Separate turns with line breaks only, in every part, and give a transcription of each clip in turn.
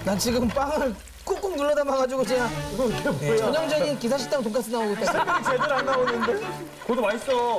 난 지금 빵을 꾹꾹 눌러 담아가지고 그냥
이게 뭐야?
전형적인 기사식당 돈가스 나오고 있다.
설명이 제대로 안 나오는데? 그것도 맛있어.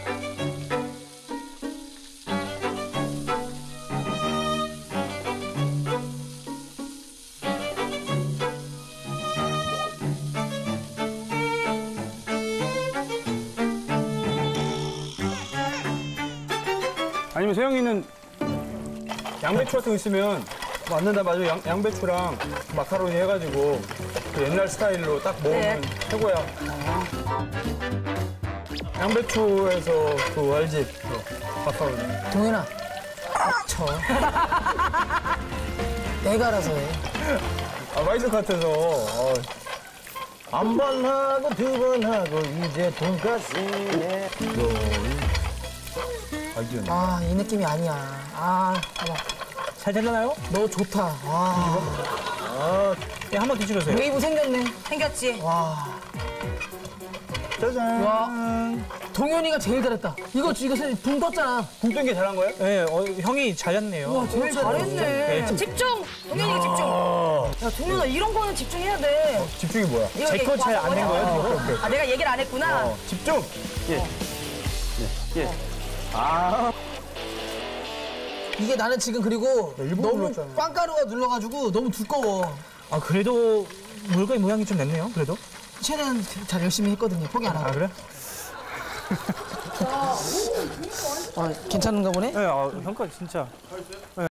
아니면 세영이는 양배추 같은 거 있으면 맞는다. 맞아. 양배추랑 마카로니 해가지고 그 옛날 스타일로 딱 먹으면 최고야. 양배추에서 그 알지? 그 마카로니.
동현아, 쳐. 내가 알아서 해.
아, 맛있을 것 같아서.
한 번 하고 두 번 하고 이제 돈가스네.
아이디어네.
아, 이 느낌이 아니야. 아, 봐봐.
잘 되려나요?
너 좋다. 와.
예, 한번 뒤집으세요.
웨이브 생겼네.
생겼지?
와.
짜잔.
와. 동현이가 제일 잘했다. 이거 붕 떴잖아.
붕 뜬 게 잘한 거예요?
네, 형이 잘했네요.
와, 제일 잘했네.
네,
집중! 동현이가 집중! 야, 동현아, 이런 거는 집중해야 돼.
집중이 뭐야?
이거
제 거 잘 안 된 거예요?
오케이, 오케이.
아, 내가 얘기를 안 했구나.
집중! 예. 아.
이게 나는 지금 그리고
일부러
너무
눌렀잖아.
빵가루가 눌러가지고 너무 두꺼워.
아, 그래도 물건의 모양이 좀 냈네요, 그래도.
최대한 잘 열심히 했거든요. 포기 안 하고.
아, 그래?
괜찮은가 보네?
네, 형까지 진짜.